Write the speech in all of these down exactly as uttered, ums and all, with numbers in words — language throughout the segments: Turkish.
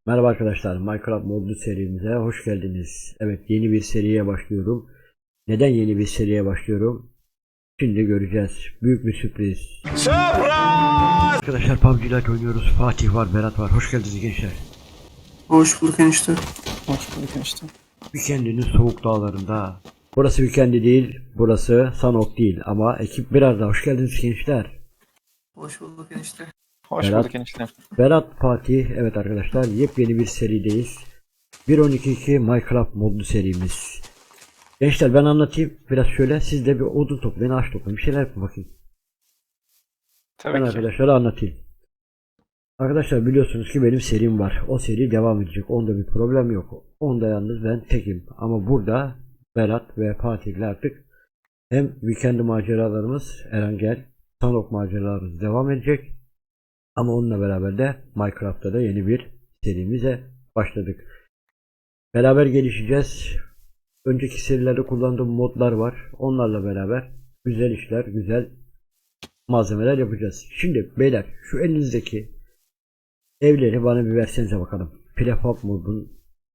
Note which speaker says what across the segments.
Speaker 1: Merhaba arkadaşlar, Minecraft modlu serimize hoş geldiniz. Evet, yeni bir seriye başlıyorum. Neden yeni bir seriye başlıyorum? Şimdi göreceğiz. Büyük bir sürpriz. Surprise! Arkadaşlar P U B G Lite oynuyoruz. Fatih var, Berat var. Hoş geldiniz gençler.
Speaker 2: Hoş bulduk enişte.
Speaker 3: Hoş bulduk enişte.
Speaker 1: Weekend'inin soğuk dağlarında. Burası Weekend'i değil, burası Sanok değil. Ama ekip biraz da hoş geldiniz gençler.
Speaker 2: Hoş bulduk enişte.
Speaker 3: Hoş
Speaker 1: Berat,
Speaker 3: bulduk enişte.
Speaker 1: Berat, Fatih. Evet arkadaşlar, yepyeni bir serideyiz. bir nokta on iki nokta iki Minecraft modlu serimiz. Gençler ben anlatayım biraz şöyle, siz de bir odun toplayın, ağaç toplayın, bir şeyler yapın bakayım. Ben
Speaker 3: Tabii ki.
Speaker 1: arkadaşlara anlatayım. Arkadaşlar biliyorsunuz ki benim serim var. O seri devam edecek. Onda bir problem yok. Onda yalnız ben tekim. Ama burada Berat ve Fatih'le artık hem weekend maceralarımız Erangel, Sanok maceralarımız devam edecek. Ama onunla beraber de Minecraft'ta da yeni bir serimize başladık. Beraber gelişeceğiz. Önceki serilerde kullandığım modlar var. Onlarla beraber güzel işler, güzel malzemeler yapacağız. Şimdi beyler şu elinizdeki evleri bana bir versenize bakalım. Prefab modun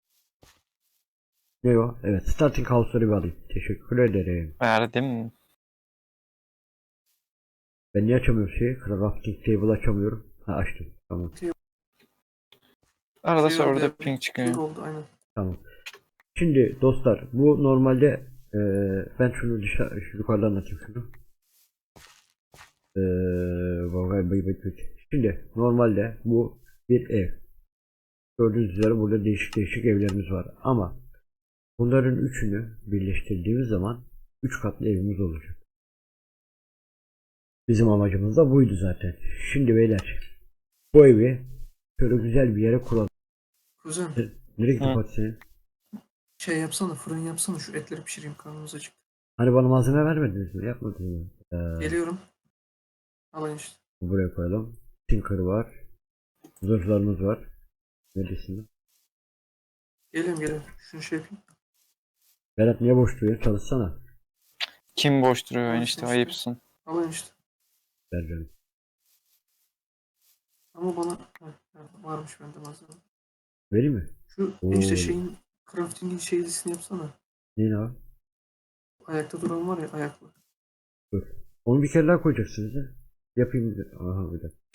Speaker 1: ne o? Evet, starting house'ları bir alayım. Teşekkür ederim.
Speaker 3: Verdim.
Speaker 1: Ben niye açamıyorum şeyi? Crafting table açamıyorum. Ha, açtım. Tamam.
Speaker 3: Arada
Speaker 2: Şey
Speaker 3: serverda
Speaker 2: oldu,
Speaker 3: ping çıkıyor.
Speaker 2: Ping oldu aynen.
Speaker 1: Tamam. Şimdi dostlar bu normalde eee, ben şunu dışarı şu yukarıdan anlatayım şunu. Eee, Şimdi normalde bu bir ev. Gördüğünüz üzere burada değişik değişik evlerimiz var. Ama bunların üçünü birleştirdiğimiz zaman üç katlı evimiz olacak. Bizim amacımız da buydu zaten. Şimdi beyler bu evi şöyle güzel bir yere kuralım.
Speaker 2: Kuzen
Speaker 1: Nereye gitti
Speaker 3: Hı.
Speaker 1: Fatih senin?
Speaker 2: şey yapsana, fırın yapsana, şu etleri pişireyim, karnımız acık.
Speaker 1: Hani bana malzeme vermediniz mi? Yapmadınız mı? Ee,
Speaker 2: Geliyorum. Al enişte.
Speaker 1: buraya koyalım. Tinker var. Zırhlarımız var. Neredesin?
Speaker 2: Geliyorum geliyorum. Şunu şey yapayım.
Speaker 1: Berat niye boş duruyor? Çalışsana.
Speaker 3: Kim boş duruyor
Speaker 2: Al
Speaker 3: enişte,
Speaker 2: enişte.
Speaker 3: ayıpsın.
Speaker 2: Al enişte.
Speaker 1: Ver canım.
Speaker 2: Ama bana Heh, nerede? Varmış bende malzeme.
Speaker 1: Vereyim mi?
Speaker 2: Şu enişte
Speaker 1: Oo.
Speaker 2: şeyin crafting'in şeylisini yapsana.
Speaker 1: Neyin abi?
Speaker 2: Ayakta duran var ya, ayaklı.
Speaker 1: Dur. Onu bir kere daha koyacaksınız ya. Yapayım. bir- Aha bir dakika.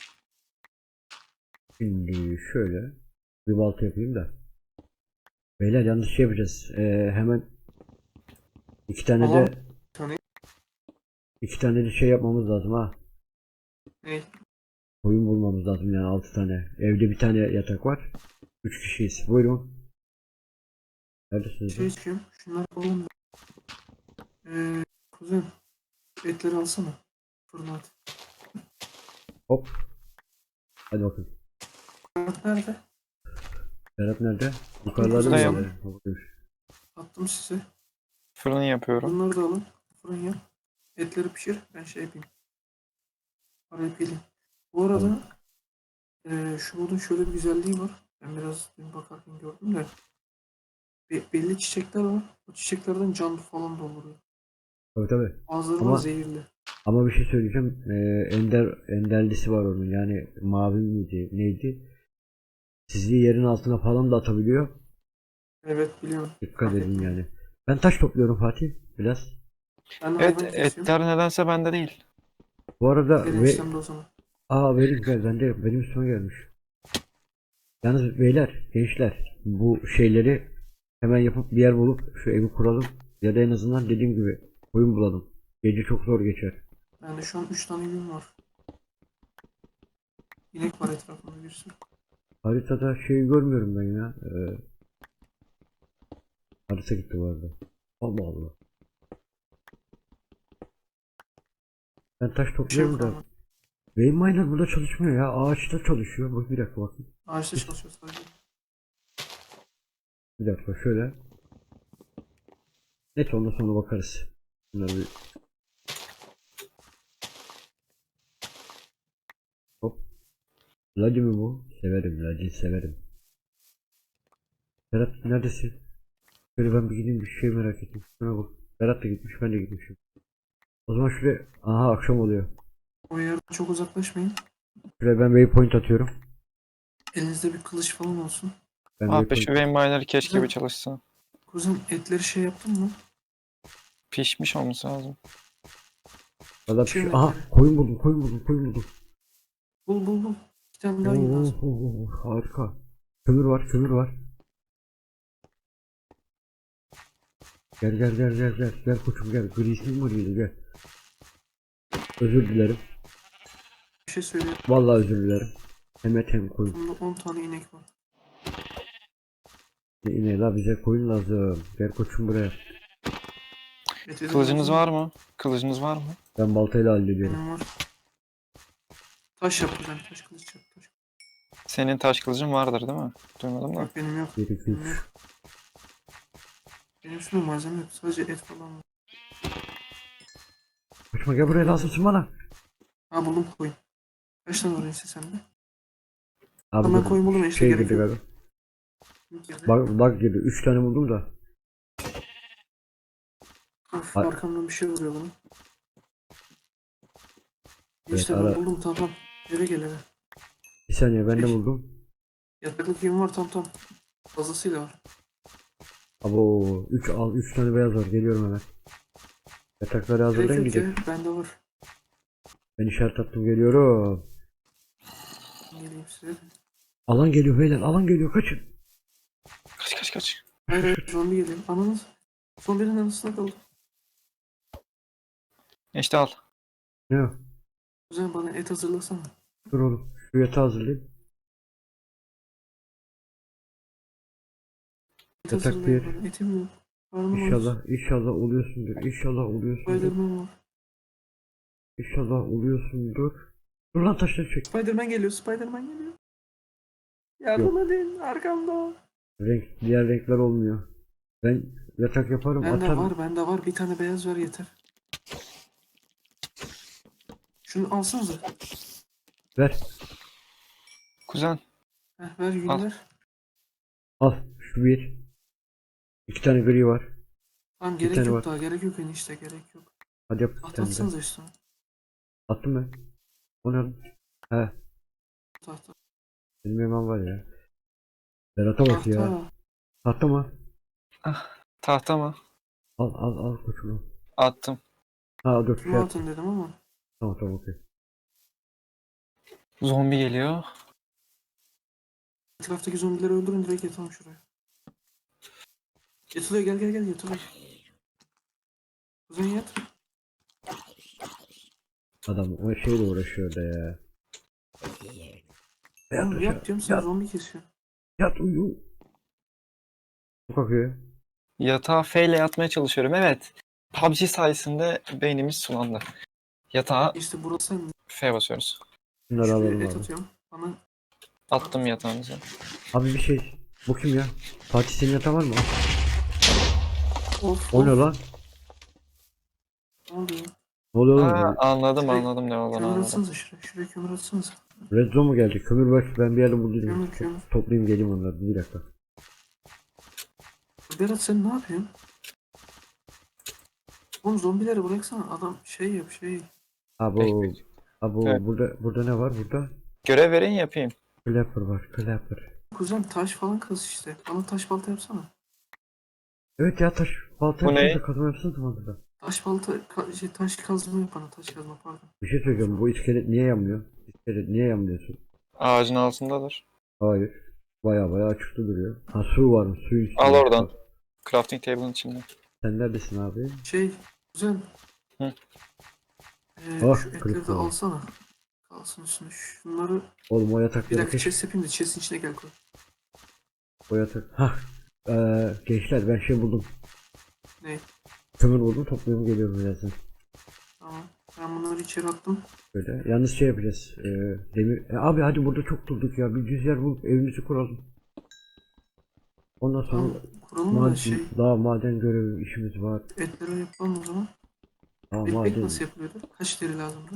Speaker 1: Şimdi şöyle bir balta yapayım da. Beyler yanlış şey yapacağız. Ee, hemen iki tane
Speaker 2: Aha.
Speaker 1: de
Speaker 2: Bir tane.
Speaker 1: iki tane de şey yapmamız lazım ha.
Speaker 2: Ne?
Speaker 1: Koyun bulmamız lazım yani altı tane. Evde bir tane yatak var. üç kişiyiz. Buyurun. Neredesiniz
Speaker 2: Şey
Speaker 1: lan?
Speaker 2: içiyorum. Şunları alalım. Eee kuzen. Etleri alsana. Fırına at.
Speaker 1: Hop. Hadi bakın.
Speaker 2: Nerede?
Speaker 1: Berat nerede? Yukarılarda mı
Speaker 2: Buradayım.
Speaker 1: yerler? Buradaymış.
Speaker 2: Attım size.
Speaker 3: Fırın yapıyorum.
Speaker 2: Bunları da alın. Fırın yap. Etleri pişir. Ben şey yapayım. Araya peleyim. Bu
Speaker 1: Tamam.
Speaker 2: arada eee şu modun şöyle bir güzelliği var. Ben biraz dün bakarken gördüm de. Be- belli çiçekler var. O çiçeklerden can falan dolduruyor.
Speaker 1: Tabii tabii.
Speaker 2: Bazıları var
Speaker 1: Ama
Speaker 2: zehirli.
Speaker 1: ama bir şey söyleyeceğim. Ee, ender enderlisi var onun. Yani mavi miydi? Neydi? Sizliği yerin altına falan da atabiliyor.
Speaker 2: Evet biliyorum.
Speaker 1: Dikkat
Speaker 2: Fark
Speaker 1: edin
Speaker 2: ettim.
Speaker 1: yani. Ben taş topluyorum Fatih. Biraz.
Speaker 2: Ben de
Speaker 3: Evet,
Speaker 2: hayvan kesiyorum.
Speaker 3: etler nedense bende değil.
Speaker 1: Bu arada
Speaker 2: Gelin
Speaker 1: ve
Speaker 2: işlemde o zaman.
Speaker 1: aa benim gel bende benim üstüme gelmiş. Yalnız beyler, gençler bu şeyleri hemen yapıp bir yer bulup şu evi kuralım. Ya da en azından dediğim gibi oyun bulalım. Gece çok zor geçer.
Speaker 2: Bende şu an üç tane gün var. İnek var etrafında bir sürü.
Speaker 1: Haritada şey görmüyorum ben ya. Ee, harita gitti bu arada. Allah Allah. Ben taş
Speaker 2: Bir şey yok
Speaker 1: topluyorum da
Speaker 2: ama.
Speaker 1: Vein Miner burada çalışmıyor ya. Ağaçta çalışıyor. Bak bir dakika bakın.
Speaker 2: Ağaçta çalışıyor sadece.
Speaker 1: Bir dakika şöyle. Net ondan sonra bakarız. Bunları bir hop. Ladi mi bu? Severim Ladi severim. Berat neredesin? Şöyle ben bir gideyim bir şey merak ettim. Şuna bak. Berat da gitmiş ben de gitmişim. O zaman şuraya aha akşam oluyor.
Speaker 2: O yerden çok uzaklaşmayın.
Speaker 1: Şuraya ben waypoint atıyorum.
Speaker 2: Elinizde bir kılıç falan olsun.
Speaker 1: Ben
Speaker 3: Ah be,
Speaker 1: weapon...
Speaker 3: şu vein mine'ları keşke
Speaker 2: Güzel.
Speaker 3: bir çalışsa.
Speaker 2: Kuzen etleri şey yaptın mı?
Speaker 3: Pişmiş olması lazım.
Speaker 1: Valla
Speaker 2: Pişiyor
Speaker 1: piş...
Speaker 2: mu
Speaker 1: Aha
Speaker 2: etleri?
Speaker 1: koyun buldum koyun buldum koyun buldum.
Speaker 2: Bul bul bul. Bir tane daha yün
Speaker 1: Oo,
Speaker 2: lazım.
Speaker 1: oo, oo, harika. Kömür var kömür var. Gel gel gel gel gel. Gel koçum gel. Grisin var yine gel. Özür dilerim.
Speaker 2: Bir şey söyleyeyim.
Speaker 1: Vallahi özür dilerim. Hem et hem koyun.
Speaker 2: Bunda on tane inek var.
Speaker 1: Ne yine la bize koyun lazım. Gel koçum buraya.
Speaker 2: Et edin
Speaker 3: Kılıcınız
Speaker 2: lazım.
Speaker 3: var mı? Kılıcınız var mı?
Speaker 1: Ben baltayla hallediyorum.
Speaker 2: Benim var. Taş yap kuzen. Taş kılıç yap. Taş.
Speaker 3: Senin taş kılıcın vardır değil mi? Duymadım da.
Speaker 2: Yok benim yok.
Speaker 1: bir iki
Speaker 2: Benim
Speaker 1: üç.
Speaker 2: yok. Benim üstümde malzeme yok. Sadece et falan var.
Speaker 1: Koçuma gel buraya lazımsın bana.
Speaker 2: Ha buldum koyun. Kaç tane var ense sende?
Speaker 1: Abi
Speaker 2: Hemen
Speaker 1: dur,
Speaker 2: koyun buldum işte
Speaker 1: şey
Speaker 2: gerek
Speaker 1: girdi
Speaker 2: yok.
Speaker 1: galiba.
Speaker 2: Girdi.
Speaker 1: Bak, bak girdi. üç tane buldum da.
Speaker 2: Of
Speaker 1: Ay-
Speaker 2: arkamdan bir şey vuruyor bana.
Speaker 1: Evet,
Speaker 2: İşte
Speaker 1: ara-
Speaker 2: ben buldum tamam tamam. Eve gel eve.
Speaker 1: Bir saniye ben de
Speaker 2: Peki.
Speaker 1: buldum.
Speaker 2: Yataklık yün var tam tam. Fazlasıyla var.
Speaker 1: Abo üç al üç tane beyaz var. Geliyorum hemen. Yatakları
Speaker 2: Gerek
Speaker 1: hazırlayın
Speaker 2: yok
Speaker 1: gidelim.
Speaker 2: ya. Bende var.
Speaker 1: Ben işaret attım geliyorum.
Speaker 2: Geleyim size.
Speaker 1: Alan geliyor beyler. Alan geliyor kaçın.
Speaker 3: Kaç kaç kaç.
Speaker 2: Hayır hayır zombi geliyor. Ananız. Zombinin arasında kaldı.
Speaker 3: İşte al.
Speaker 1: Ne o?
Speaker 2: O zaman bana et hazırlasana.
Speaker 1: Dur oğlum. Şu yatağı hazırlayayım.
Speaker 2: Et
Speaker 1: Yatak
Speaker 2: hazırlayın
Speaker 1: bir.
Speaker 2: bana. Etim yok. Karnım aç.
Speaker 1: İnşallah inşallah oluyorsundur. İnşallah oluyorsundur.
Speaker 2: Spiderman var.
Speaker 1: İnşallah oluyorsundur. Dur lan taşları çek.
Speaker 2: Spiderman geliyor. Spiderman geliyor. Yardım edin. Arkamda o.
Speaker 1: Renk, diğer renkler olmuyor. Ben yatak yaparım
Speaker 2: Bende
Speaker 1: atarım.
Speaker 2: var. Bende var. Bir tane beyaz var yeter. Şunu alsanıza.
Speaker 1: Ver.
Speaker 3: Kuzen.
Speaker 2: Heh, ver yün
Speaker 3: Al.
Speaker 2: ver.
Speaker 1: Al. Şu bir. İki tane gri var.
Speaker 2: Tamam
Speaker 1: Bir
Speaker 2: gerek
Speaker 1: tane
Speaker 2: yok
Speaker 1: var.
Speaker 2: daha. Gerek yok enişte. Gerek yok.
Speaker 1: Hadi yap bir
Speaker 2: Tahta
Speaker 1: tane de.
Speaker 2: atsanıza üstüne.
Speaker 1: Attım ben. O ne lan? He.
Speaker 2: Tahta.
Speaker 1: Benim hemen var ya. Berat'a bak ya.
Speaker 2: Tahta.
Speaker 1: Tahta mı?
Speaker 3: Tahta mı?
Speaker 1: Al al al koçum.
Speaker 3: Attım.
Speaker 1: Ha dur şey
Speaker 2: Şunu
Speaker 1: yap.
Speaker 2: atın dedim ama.
Speaker 1: Tamam tamam okey.
Speaker 3: Zombi geliyor.
Speaker 2: Etraftaki zombileri öldürün direkt yatalım şuraya. Yatılıyor gel gel gel yatılıyor. Kuzen yat.
Speaker 1: Adam o şeyle uğraşıyor da ya. Yat
Speaker 2: Oğlum
Speaker 1: aşağı.
Speaker 2: yat diyorum sen
Speaker 1: Yat,
Speaker 2: zombi kesiyor.
Speaker 1: yat uyu. Çok akıyor.
Speaker 3: Yatağa F ile yatmaya çalışıyorum. Evet. P U B G sayesinde beynimiz sulandı. Yatağa
Speaker 2: İşte burası sen.
Speaker 3: F basıyoruz.
Speaker 1: Bunları
Speaker 2: Şuraya
Speaker 1: alalım
Speaker 2: et
Speaker 1: abi.
Speaker 2: atıyorum. Bana
Speaker 3: Attım yatağınıza.
Speaker 1: Abi bir şey. Bu kim ya? Fatih senin yatağın var mı?
Speaker 2: of
Speaker 1: O ne
Speaker 2: of.
Speaker 1: lan?
Speaker 2: Ne oluyor?
Speaker 1: Ne oluyor
Speaker 3: Ha,
Speaker 1: oğlum?
Speaker 3: anladım
Speaker 2: Şuraya
Speaker 3: anladım ne olduğunu
Speaker 2: kömür
Speaker 3: anladım.
Speaker 2: atsanıza şuraya. Şuraya kömür atsanıza.
Speaker 1: Red Zone mu geldi? Kömür var. Ben bir yerde buldum.
Speaker 2: Kömür kömür.
Speaker 1: Toplayayım geleyim onları. Bir dakika.
Speaker 2: Berat sen ne yapıyorsun? Oğlum zombileri bıraksana. Adam şey yap şey.
Speaker 1: Abo.
Speaker 3: Peki.
Speaker 1: Abo
Speaker 3: Evet.
Speaker 1: burada burada ne var burada?
Speaker 3: Görev verin yapayım.
Speaker 1: Clapper var. Clapper.
Speaker 2: Kuzen taş falan kaz işte. Bana taş balta yapsana.
Speaker 1: Evet ya taş balta
Speaker 3: Bu ne?
Speaker 1: yapsanıza kazma yapsanıza zamanında.
Speaker 2: Taş balta ka- şey, taş kazma yap bana. Taş kazma pardon.
Speaker 1: Bir şey söyleyeceğim. Bu iskelet niye yanmıyor? İskelet niye yanmıyorsun?
Speaker 3: Ağacın altındadır.
Speaker 1: Hayır. Baya baya açıkta duruyor. Ha su var mı? Suyun üstünde.
Speaker 3: Al oradan. Crafting table'ın içinde.
Speaker 1: Sen neredesin abi?
Speaker 2: Şey kuzen.
Speaker 3: Hı.
Speaker 2: Ee,
Speaker 1: Ah,
Speaker 2: şu etleri
Speaker 1: kırık
Speaker 2: de
Speaker 1: oldu.
Speaker 2: alsana. Kalsın üstüne. Şunları
Speaker 1: Oğlum o
Speaker 2: bir
Speaker 1: yatakları
Speaker 2: dakika
Speaker 1: keşke.
Speaker 2: chest yapayım da chest'in içine gel koy.
Speaker 1: O yatak. Hah. Ee, gençler ben şey buldum.
Speaker 2: Ne?
Speaker 1: Kömür buldum topluyorum geliyorum birazdan.
Speaker 2: Tamam. Ben bunları içeri attım.
Speaker 1: Böyle. Yalnız şey yapacağız. Ee, demir. E, abi hadi burada çok durduk ya. Bir düz yer bulup evimizi kuralım. Ondan sonra
Speaker 2: Tamam. Kuralım da
Speaker 1: maden,
Speaker 2: şey.
Speaker 1: daha maden görevi işimiz var.
Speaker 2: Etleri yapalım o zaman.
Speaker 1: Daha
Speaker 2: Ekmek
Speaker 1: maden,
Speaker 2: nasıl yapılıyordu? Kaç deri lazımdı?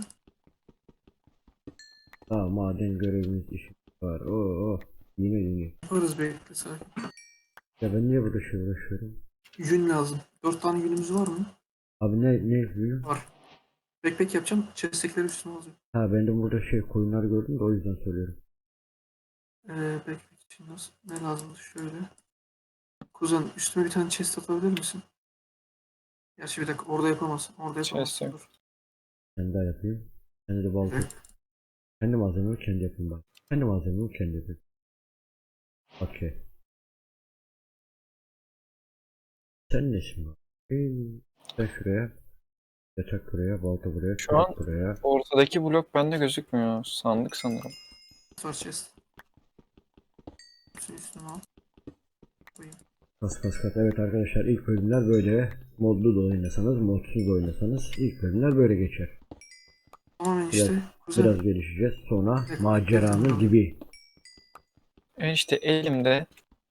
Speaker 1: daha maden görevimiz işimiz var. Oo, oo. Yine yine.
Speaker 2: Yaparız bekle sakin.
Speaker 1: Ya ben niye burada şey uğraşıyorum?
Speaker 2: Yün lazım. Dört tane yünümüz var mı?
Speaker 1: Abi ne ne yapıyor?
Speaker 2: Var. Backpack yapacağım. Chest'tekileri üstüne alacağım.
Speaker 1: Ha ben de burada şey koyunlar gördüm de o yüzden söylüyorum.
Speaker 2: Ee, backpack için nasıl, ne lazımdı şöyle. Kuzen üstüme bir tane chest atabilir misin? Gerçi bir dakika orada yapamazsın. Orada
Speaker 3: Chest
Speaker 2: yapamazsın.
Speaker 3: yok.
Speaker 2: Dur.
Speaker 1: Ben daha yapayım. Kendi de
Speaker 2: Bir
Speaker 1: balta.
Speaker 2: dakika.
Speaker 1: Kendi malzememi kendi yapayım bak. Kendi malzememi kendi yapayım. Okey. Sen nesin bak? Hey, sen şuraya. Yatak buraya, balta buraya,
Speaker 3: Şu an
Speaker 1: kürek buraya.
Speaker 3: ortadaki blok bende gözükmüyor. Sandık sanırım.
Speaker 2: Var chest. Hepsini üstüne al. Koyayım.
Speaker 1: Kas kas kas. Evet arkadaşlar ilk bölümler böyle. Modlu da oynasanız, modsuz da oynasanız ilk bölümler böyle geçer.
Speaker 2: Tamamen
Speaker 1: Biraz,
Speaker 2: işte. Kuzen.
Speaker 1: biraz gelişeceğiz. Sonra
Speaker 2: Bir dakika,
Speaker 1: maceranın
Speaker 2: bekledim,
Speaker 1: dibi.
Speaker 3: E işte elimde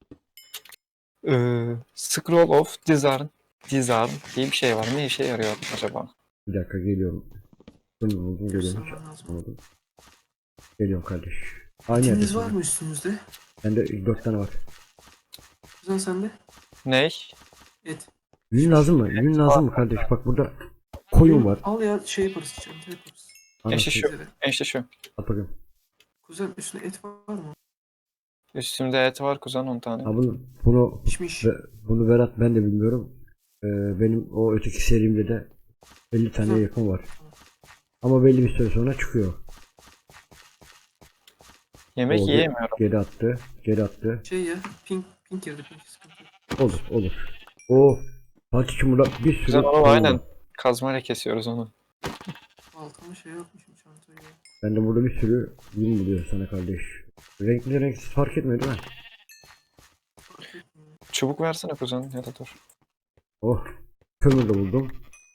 Speaker 3: eee, Scroll of Disarm, Disarm diye bir şey var. Ne işe yarıyor acaba?
Speaker 1: Bir dakika geliyorum. Bunu buldum geliyorum. Hiç
Speaker 2: Göstermen lazım.
Speaker 1: anlamadım. Geliyorum kardeş. Aynı
Speaker 2: İkiniz var
Speaker 1: yerdesin.
Speaker 2: mı üstünüzde?
Speaker 1: Bende dört tane var.
Speaker 2: Kuzen sende?
Speaker 3: Ney?
Speaker 2: Et.
Speaker 1: Yün lazım mı? Yün lazım mı kardeş? Bak burada koyun var.
Speaker 2: Al ya şey yaparız. Çanta yaparız.
Speaker 3: İşte şu.
Speaker 1: Anasını
Speaker 2: Bize de.
Speaker 3: İşte şu.
Speaker 1: at bakayım.
Speaker 2: Kuzen üstünde et var mı?
Speaker 3: Üstümde et var kuzen on tane.
Speaker 1: Ha bunu, bunu,
Speaker 2: Pişmiş.
Speaker 1: ve- bunu Berat ben de bilmiyorum. Ee, benim o öteki serimde de elli taneye yakın var. Ama belli bir süre sonra çıkıyor.
Speaker 3: Yemek
Speaker 1: O ge-
Speaker 3: yiyemiyorum.
Speaker 1: geri attı. Geri attı.
Speaker 2: Şey ya. Pink. Pink girdi. Pink sıkıntı yok.
Speaker 1: Olur olur. O Fatih'im burada bir sürü
Speaker 3: Kuzen onu
Speaker 1: koyun
Speaker 3: aynen
Speaker 1: var.
Speaker 3: kazmayla kesiyoruz onu.
Speaker 2: Altına şey yapmışım çantayı ya.
Speaker 1: Ben de burada bir sürü yün buluyorum sana kardeş. Renkli renksiz fark etmiyor değil mi?
Speaker 2: Fark etmiyor.
Speaker 3: Çubuk versene kuzen ya da dur.
Speaker 1: Oh. Kömür de buldum.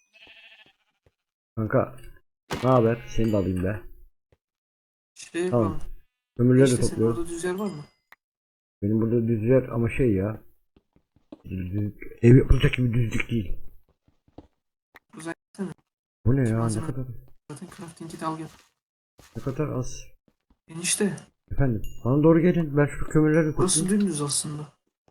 Speaker 1: Kanka. Ne haber? Seni de alayım be.
Speaker 2: Şey
Speaker 1: Tamam.
Speaker 2: yapalım.
Speaker 1: Kömürleri de
Speaker 2: İşte senin
Speaker 1: topluyorum.
Speaker 2: orada düz yer var mı?
Speaker 1: Benim burada düz yer ama şey ya. Düzlük- Ev yapılacak gibi düzlük değil.
Speaker 2: Kuzen gitsene.
Speaker 1: Bu ne ya? Ne
Speaker 2: Malzeme.
Speaker 1: kadar
Speaker 2: Zaten crafting kit al gel.
Speaker 1: ne kadar az.
Speaker 2: Enişte.
Speaker 1: Efendim. Bana doğru gelin. Ben şu kömürleri de
Speaker 2: Burası
Speaker 1: toplayayım.
Speaker 2: dümdüz aslında.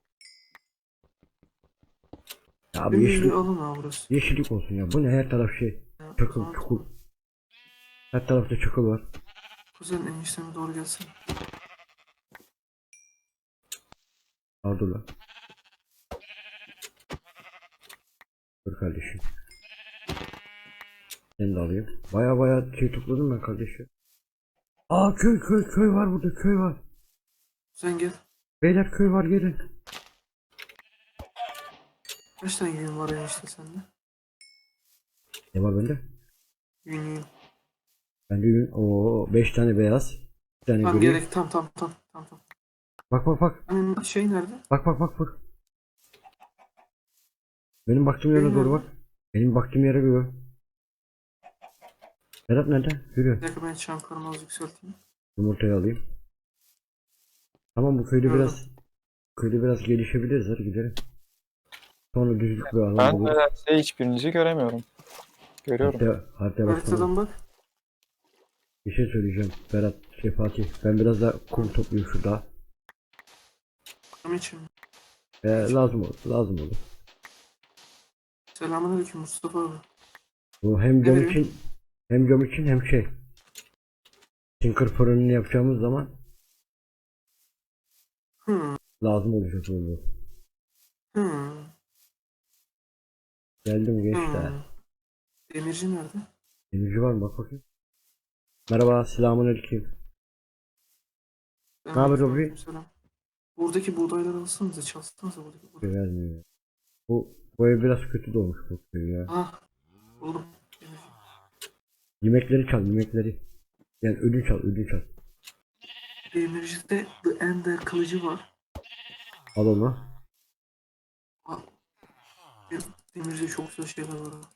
Speaker 1: Ya abi
Speaker 2: Dümdüz
Speaker 1: yeşil,
Speaker 2: bir alan ha burası.
Speaker 1: yeşillik olsun ya. Bu ne her taraf şey.
Speaker 2: Ya, o
Speaker 1: Çakıl,
Speaker 2: zaman
Speaker 1: çukur.
Speaker 2: tamam.
Speaker 1: Her tarafta çakıl var.
Speaker 2: Kuzen enişteme doğru gelsin.
Speaker 1: Al dur lan. Dur kardeşim. Seni de alayım. Baya baya şey topladım ben kardeşim. Aa köy köy köy var burada köy var.
Speaker 2: Kuzen gel.
Speaker 1: Beyler köy var gelin.
Speaker 2: Kaç tane yün var enişte sende?
Speaker 1: Ne var bende?
Speaker 2: Yün yün.
Speaker 1: Bende yün. Oo beş tane beyaz. Bir tane
Speaker 2: Tamam
Speaker 1: gri.
Speaker 2: gerek. Tam tam tam. Tam tam.
Speaker 1: Bak bak bak.
Speaker 2: Hani şey nerede?
Speaker 1: Bak bak bak bak. Benim baktığım yere
Speaker 2: Benim
Speaker 1: doğru
Speaker 2: nerede?
Speaker 1: bak. Benim baktığım yere göre. Berat nerede?
Speaker 2: Bir
Speaker 1: Yürü.
Speaker 2: dakika ben çankarımı az yükselteyim.
Speaker 1: Yumurtayı alayım. Tamam bu köyde
Speaker 2: Gördüm.
Speaker 1: biraz köyde biraz gelişebiliriz hadi gidelim. Sonra düzlük bir alan
Speaker 3: Ben
Speaker 1: buluruz.
Speaker 3: nedense hiçbirinizi göremiyorum. Görüyorum.
Speaker 1: Haritaya, haritaya baksana.
Speaker 2: Haritadan bak.
Speaker 1: Bir şey söyleyeceğim. Berat, şey Fatih. Ben biraz da kum topluyorum şurada.
Speaker 2: Tam için.
Speaker 1: Ee, lazım olur. Lazım olur.
Speaker 2: Selamünaleyküm Mustafa abi.
Speaker 1: Bu hem
Speaker 2: Ne
Speaker 1: cam
Speaker 2: veriyor?
Speaker 1: için hem cam için hem şey. Tinker fırınını yapacağımız zaman
Speaker 2: Hmm.
Speaker 1: lazım olacak bu.
Speaker 2: Hmm.
Speaker 1: Geldim gençler.
Speaker 2: Hmm. Demirci nerede?
Speaker 1: Demirci var mı? Bak bakayım. Merhaba, selamünaleyküm. Ne haber
Speaker 2: Selamünaleyküm,
Speaker 1: Robi?
Speaker 2: selam. Buradaki buğdayları alsanıza, çalsanıza buradaki buğdayı.
Speaker 1: Vermiyor. Bu, bu ev biraz kötü dolmuş bu köy ya.
Speaker 2: Ah, buldum. Demirci.
Speaker 1: Yemekleri çal, yemekleri. Yani ödünç çal, ödünç çal.
Speaker 2: Demirci'de The Ender kılıcı var.
Speaker 1: Al onu.
Speaker 2: Ah, Demirci'de çok güzel şeyler var. ha.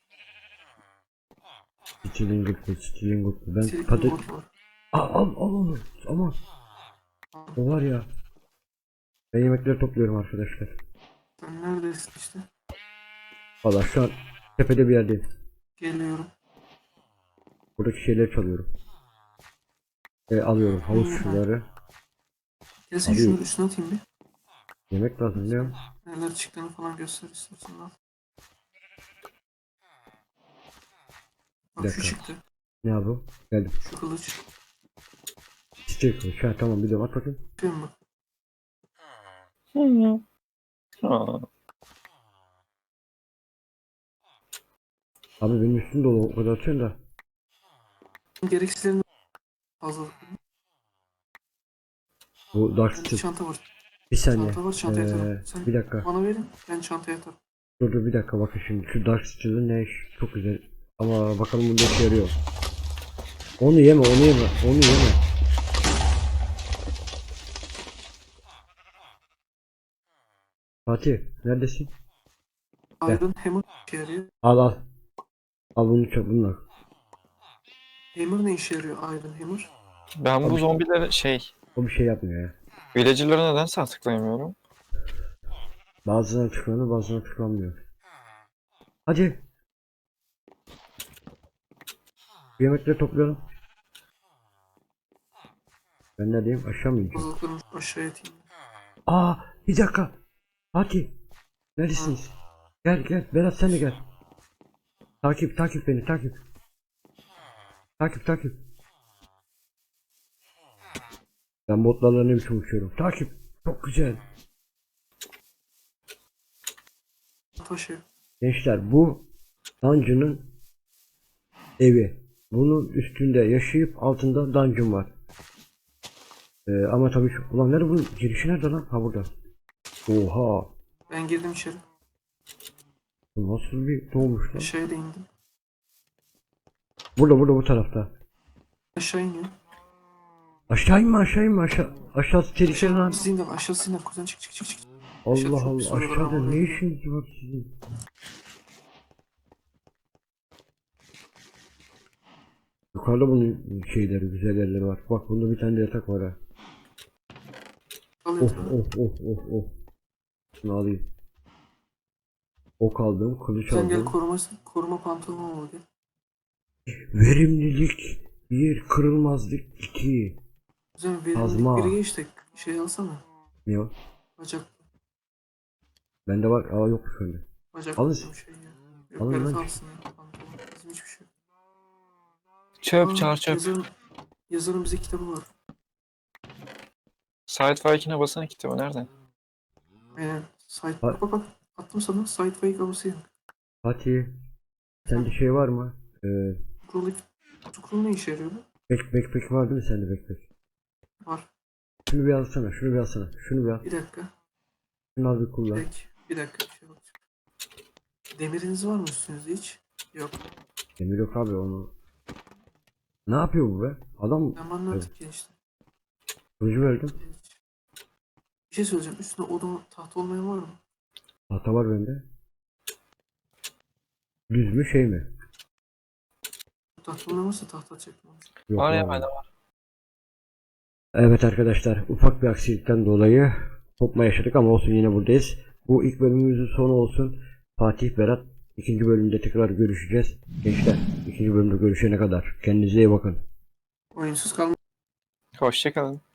Speaker 1: Stilling gutlu, stilling gutlu. Ben
Speaker 2: Silikon
Speaker 1: patet...
Speaker 2: bot var.
Speaker 1: Al, al, al onu. Ama
Speaker 2: Ah,
Speaker 1: o var ya. Ben yemekleri topluyorum arkadaşlar.
Speaker 2: sen neredesin işte?
Speaker 1: Valla şu an tepede bir yerdeyim.
Speaker 2: Geliyorum.
Speaker 1: Buradaki şeyleri çalıyorum. E, alıyorum havuz
Speaker 2: Hmm.
Speaker 1: suları.
Speaker 2: Gelsin
Speaker 1: Abi-
Speaker 2: şunu üstüne atayım bir.
Speaker 1: Yemek lazım değil mi?
Speaker 2: Neler çıktığını falan göster istersen al. Bak
Speaker 1: Bir
Speaker 2: şu
Speaker 1: dakika.
Speaker 2: çıktı.
Speaker 1: Ne abi? Geldim.
Speaker 2: Şu kılıç.
Speaker 1: Çiçek kılıç. Ha tamam biliyorum at bakayım.
Speaker 2: Yapıyorum bak.
Speaker 3: Hı. Aa,
Speaker 1: Abi benim üstüm dolu o kadar atıyorsun da.
Speaker 2: Gereksizlerini fazla.
Speaker 1: Bu Dark
Speaker 2: Bende
Speaker 1: Steel.
Speaker 2: çanta var.
Speaker 1: Bir saniye.
Speaker 2: Çanta var, çantaya atarım.
Speaker 1: Ee,
Speaker 2: Sen
Speaker 1: bir dakika.
Speaker 2: bana verin, ben çantaya atarım.
Speaker 1: Dur dur bir dakika bakın şimdi. Şu Dark Steel'in ne iş? Çok güzel. Ama bakalım bunda işe yarıyor. Onu yeme onu yeme. Onu yeme. Fatih neredesin? Gel.
Speaker 2: Iron Hammer işe yarıyor.
Speaker 1: Al al. Al bunu çok bunlar.
Speaker 2: Hammer ne işe yarıyor Iron Hammer?
Speaker 3: ben bu
Speaker 1: Abi-
Speaker 3: zombilere şey,
Speaker 1: O bir şey yapmıyor ya.
Speaker 3: villager'lara nedense tıklayamıyorum.
Speaker 1: Bazılarına tıklanıyor bazılarına tıklanmıyor. Hadi. Yemekleri toplayalım. Ben neredeyim? Aşağı mı ineceğim?
Speaker 2: Fazlalıklarını aşağıya atayım.
Speaker 1: Aa bir dakika. Fatih. Neredesiniz? Gel gel. Berat sen de gel. Takip takip beni takip. Takip takip. Ben botlarla ne biçim uçuyorum. Takip. Çok güzel.
Speaker 2: Taşı.
Speaker 1: Gençler bu Dungeon'ın evi. Bunun üstünde yaşayıp altında dungeon var. Ee, ama tabii şu... Ulan nerede bunun girişi nerede lan? Ha burada. Oha.
Speaker 2: Ben girdim içeri.
Speaker 1: Bu nasıl bir doğmuş lan?
Speaker 2: Aşağıya da indim.
Speaker 1: Burada burada bu tarafta.
Speaker 2: Aşağı iniyor.
Speaker 1: Aşağı inme aşağı inme aşağı. Aşağısı tehlikeli lan.
Speaker 2: Aşağısı indim, aşağısı indim. Kuzen çık çık çık çık.
Speaker 1: Allah
Speaker 2: çok
Speaker 1: Allah
Speaker 2: pis oluyorlar
Speaker 1: aşağıda
Speaker 2: ama
Speaker 1: ne
Speaker 2: böyle.
Speaker 1: işiniz var sizin? Yukarıda bunun şeyleri güzel yerleri var. Bak bunda bir tane de yatak var ha.
Speaker 2: Al
Speaker 1: Of
Speaker 2: yatağı.
Speaker 1: of of of of. Şunu alayım. Ok aldım, kılıç
Speaker 2: Sen gel
Speaker 1: aldım.
Speaker 2: koruma, koruma pantolonu al gel.
Speaker 1: Verimlilik bir, kırılmazlık iki.
Speaker 2: Kuzen verimlilik
Speaker 1: Kazma.
Speaker 2: biri geç de şey alsana.
Speaker 1: Ne o?
Speaker 2: Bacak.
Speaker 1: Bende var. Aa yok şöyle.
Speaker 2: Bacak
Speaker 1: Alın.
Speaker 2: diyorum şey ya. Yok
Speaker 1: Alın
Speaker 2: Berat
Speaker 1: lan.
Speaker 2: alsın ya. Pantolon. Bizim hiçbir şey yok.
Speaker 3: Çöp,
Speaker 2: Aa,
Speaker 3: çar çöp.
Speaker 2: Yazarın, yazarın bize kitabı var.
Speaker 3: Sidefike'ine basana kitabı nerede?
Speaker 2: Aynen. Site,
Speaker 1: Bak.
Speaker 2: bak bak bak. Attım sana. Site kablosu yanık.
Speaker 1: Fatih. Sende şey var mı? Ee,
Speaker 2: Scroll, scroll ne işe yarıyor bu?
Speaker 1: back, backpack var değil mi sende backpack?
Speaker 2: Var.
Speaker 1: Şunu bir alsana, şunu bir alsana. Şunu bir al.
Speaker 2: Bir dakika.
Speaker 1: Şunu al bir
Speaker 2: Bir
Speaker 1: kullan.
Speaker 2: dakika. Bir dakika. Bir şey bakacağım. Demiriniz var mı üstünüzde hiç? Yok.
Speaker 1: Demir yok abi onu. Ne yapıyor bu be? Adam
Speaker 2: Ben bana artık gençtim.
Speaker 1: kılıcı verdim.
Speaker 2: Bir şey söyleyeceğim. Üstünde odun tahta olmayan var mı?
Speaker 1: Tahta var bende. Düz mü şey mi?
Speaker 2: Tahta olmayan varsa tahta çekmem.
Speaker 1: Yok
Speaker 3: Var ya
Speaker 1: abi.
Speaker 3: bende var.
Speaker 1: Evet arkadaşlar ufak bir aksilikten dolayı kopma yaşadık ama olsun yine buradayız. Bu ilk bölümümüzün sonu olsun. Fatih, Berat ikinci bölümde tekrar görüşeceğiz. Gençler ikinci bölümde görüşene kadar kendinize iyi bakın.
Speaker 2: Oyunsuz kalma.
Speaker 3: Hoşçakalın.